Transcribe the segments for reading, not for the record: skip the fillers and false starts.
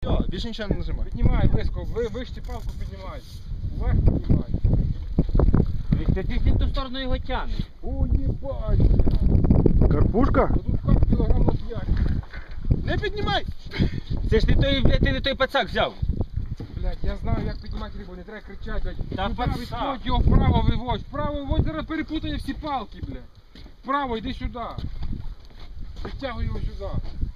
Все, більше нічого не нажимай. Піднімай близько, вище палку піднімай. Вверх піднімай. Ти в ту сторону його тягне. О, єбать! Карпушка? Ну тут как кілограм на 5. Не піднімай! Це ж ти не той пацак взяв. Блядь, я знаю, як піднімати рибу, не треба кричати, блядь. Та Туди пацак. відходь, його вправо виводь. Вправо виводь, зараз перепутає всі палки, блядь. Вправо, йди сюди. Підтягуй його сюди.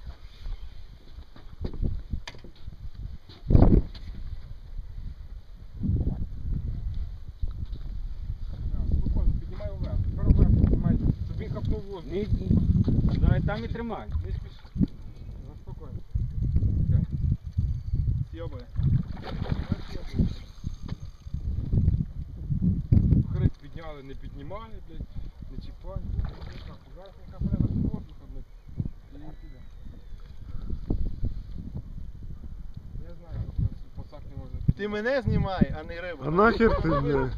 Спокійно, піднімай вверх. Тепер вверх піднімай, щоб він хапнув воздух. Давай там і тримай. Не спіши. Заспокойно. Сьобує. Хрип підняли, не піднімали, блядь, не чіпай. Зараз не капля на воздуха, блядь, і піде. Я знаю, що пацак не можна підняти. Ти мене знімай, а не рибу. А нахер ти, блядь?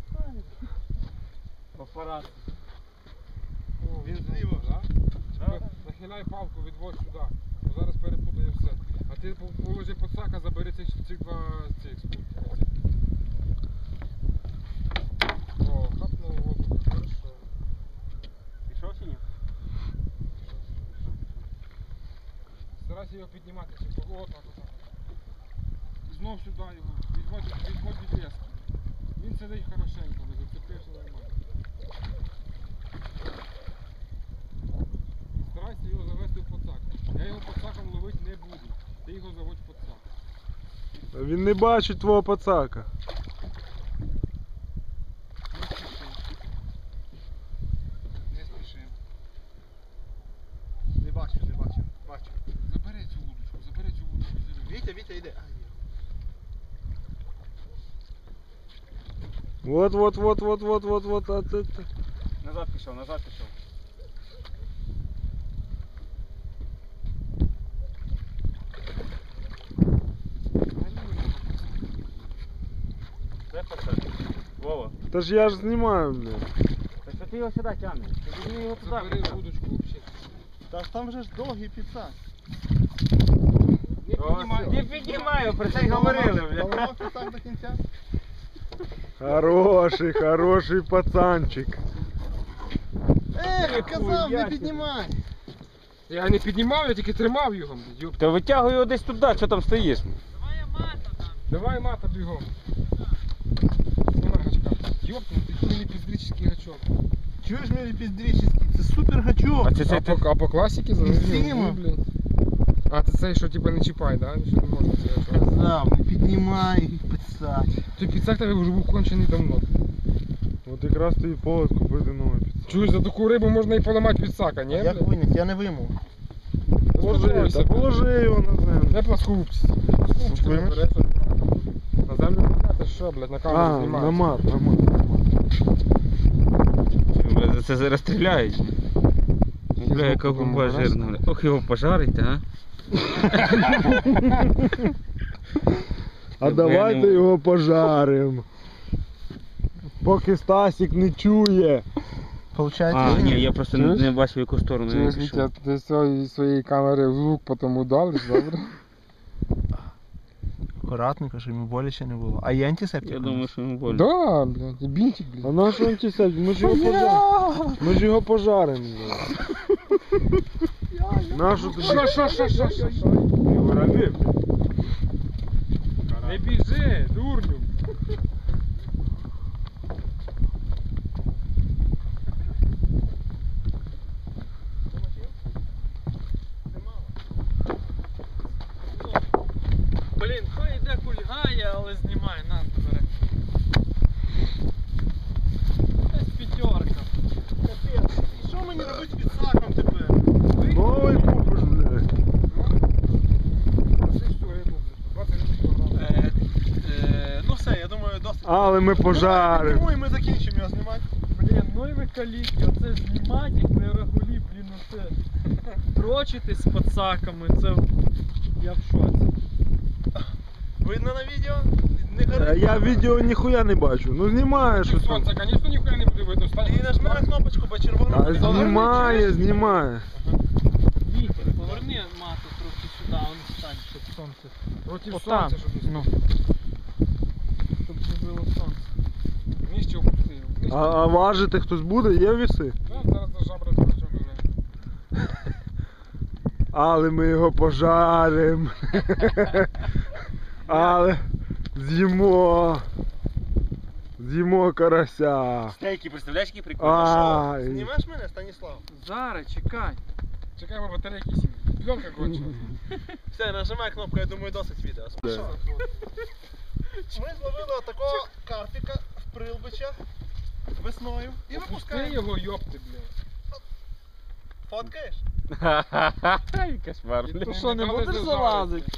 Апарат. О, Він ну, зліва, да? Да? Нахиляй палку, відводь сюди. Бо зараз перепутає все. А ти положи пацака, забери цих два спутника. О, хапнув воздух, хорошо. Пішов чи ні? Старайся його піднімати, о, так. Знов сюди його, відводь від лески. Він сидить хорошенько, не зацепився нормально. Старайся його завести в пацак. Я його пацаком ловити не буду. Ти його заводь в пацак. Він не бачить твого пацака. Не спіши. Не бачу, не бачу. Бачу. Забери цю вудочку, Вітя, Вітя, йде. Вот. А ти. Назад пішов. Де пацак? Вова. Та ж я ж знімаю, блядь. Та що ти його сюди тягнеш? Ти візьми його туди. Забери пацак. вудочку взагалі. Та там вже ж довгий підсак. Не піднімай. Не піднімаю, про це й говорили, бля. Поламав підсак до кінця. Хороший пацанчик. Казав, не піднімай. Я не піднімав, я тільки тримав його. Йоп. Та витягуй його десь туди, що там стоїш? Давай мата бігом. Знімай гачка. Ёпнутый, ти не піздрічний гачок. Чуєш, мій піздрічний? Це супер гачок. А по класіки Зима. блін. А це цей, що типа не чіпай, да? Що не можна цей гачок. Казав, не піднімай підсак. Той підсак тебе вже був кончений давно. От якраз тобі повод купити новий піцак. Чуєш, за таку рибу можна і поламати підсака, ні? Як виняти? Я не вимов. Положи його на землю. Де пласкогубці? Пласкогубці не береш. На землю підняти, що, блядь, на камеру А, знімаєш. на мат. За це зараз стріляють. Бля, яка губа жирна. Ох, його пожарите, а? А давайте його пожаримо. Поки Стасік не чує. Получається, А, ні, виняти? я просто не бачив, в яку сторону Чуєш, він Вітя, пішов. ти з своєї камери звук потім удалиш, добре? Акуратненько, щоб йому боляче не було. А є антисептик? Я думаю, що йому больно. Да, блядь, і бінтик, А блядь. на що антисептик? Ми ж його пожаримо. Нашу тобі? Що? Його ранив. Не біжи, дурню. Блін, хай йде кульгає, але знімає, на, бери. Десь п'ятерка. І що мені робити з підсаком тепер? Новий купиш, блядь. Ну все, я думаю, досить. Але ми пожаримо. Тому і ми закінчимо його знімати. Блін, ну і ви каліки, оце знімати як на регулі, блін, оце. Дрочитись з пацаками, це я в шоці. Видно на відео? Не горить. Я відео ніхуя не бачу. Ну знімає щось там. Сонце, звісно, ніхуя не буде видно. Стань. І нажми на кнопочку, бо червоно. А знімає. Вітер, поверни мату трохи сюди, он стань, щоб сонце. Проти Отам. сонця, щоб не Ну. Щоб не було сонце. Нижче опустив. А важити хтось буде? Є віси? Зараз до жабри трохи вже. Але ми його пожаримо. Але з'їмо. З'їмо карася. Стейки, представляєш, які прикольні? Ай. Знімеш мене, Станіслав? Зараз, чекай. Чекай, бо батарейки сім. Пленка кончилась. Все, нажимай кнопку, я думаю, досить відео. Да. Що? Ми зловили такого карпіка в Прилбичах весною і Опусти випускаємо. його, йопти, блядь. Фоткаєш? Кошмар, І блядь. То що, не дали будеш ти залазити?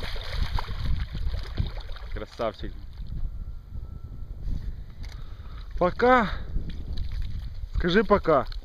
Красавчик. Пока. Скажи пока.